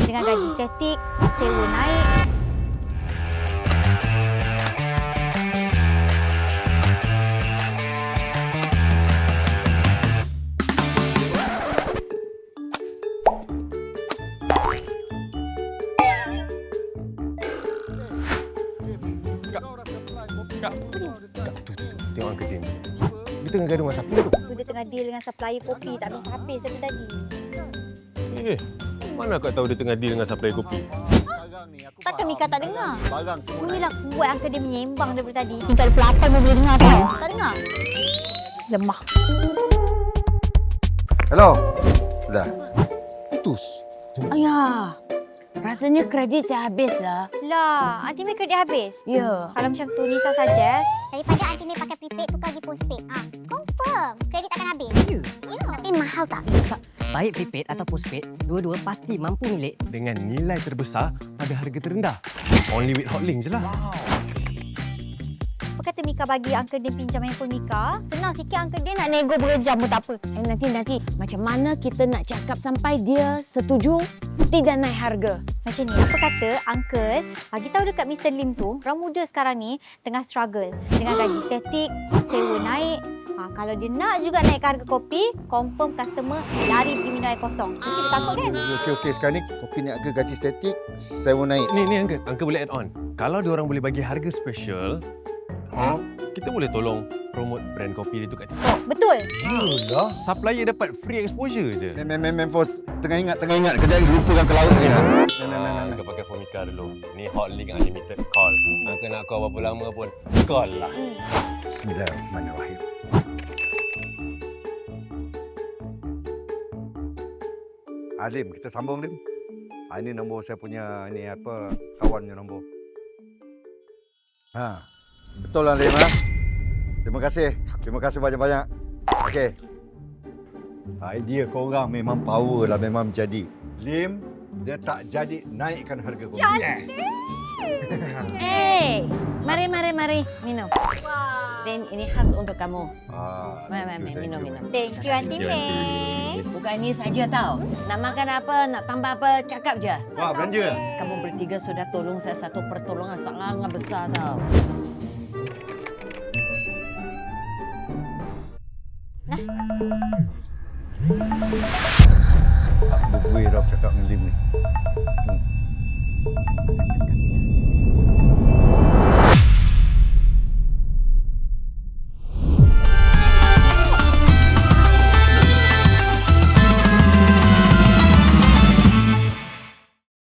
Dengan gaji statik, sewa naik. Kak, tu. Tengok Uncle Tim tu. Dia tengah gaduh dengan siapa tu? Dia tengah deal dengan supplier kopi tak habis-habis dari tadi. Mana kau tahu dia tengah deal dengan supplier kopi? Kata Mika tak dengar. Mula kuat Uncle dia menyembang daripada tadi. Tinggal pelapar pun boleh dengar tau. Tak dengar? Lemah. Hello. Dah. Putus. Ayah, rasanya kredit saya habis lah. Lah, Aunty May kredit habis. Ya. Kalau macam tu, Nisa suggest Daripada Aunty May pakai prepaid, tukar pergi postpaid. Confirm. Kredit akan habis. Ya. Tapi mahal tak? Baik prepaid atau postpaid, dua-dua pasti mampu milik. Dengan nilai terbesar pada harga terendah. Only with Hotlink je lah. apa kata Mika bagi Uncle Din pinjam handphone Mika? Senang sikit Uncle Din nak nego berjam pun tak apa. Nanti macam mana kita nak cakap sampai dia setuju tidak naik harga? Macam ni, apa kata Uncle bagi tahu dekat Mr. Lim tu, orang muda sekarang ni tengah struggle dengan gaji statik, sewa naik. Kalau dia nak juga naik harga kopi, confirm customer lari pergi minum air kosong. Mesti dia takut kan? Okey. Sekarang ni kopi ni harga gaji statik, sewa naik. Ni Uncle boleh add on. Kalau dia orang boleh bagi harga special, kita boleh tolong promote brand kopi dia tu kat TikTok. Betul. Yalah. Supplier dapat free exposure je. For tengah ingat. Kejap lagi lupakan ke laut je. Kau pakai phone Mika dulu. Ni Hotlink unlimited call. Uncle nak call berapa lama pun, call lah. Bismillahirrahmanirrahim. Lim, kita sambung Lim. Ini nombor saya punya kawannya nombor. Betul lah Lim . Terima kasih banyak-banyak. Okey. Idea korang memang power lah, memang jadi. Lim, dia tak jadi naikkan harga kopi. Cantik. Mari minum. Dan ini khas untuk kamu. Thank you. Minum. Thank you Aunty May. Bukan ini saja tau. Nak makan apa, nak tambah apa, cakap je. Wah, belanja. Kamu bertiga sudah tolong saya satu pertolongan sangat besar tau. Gue Rab cakap dengan Lim ni.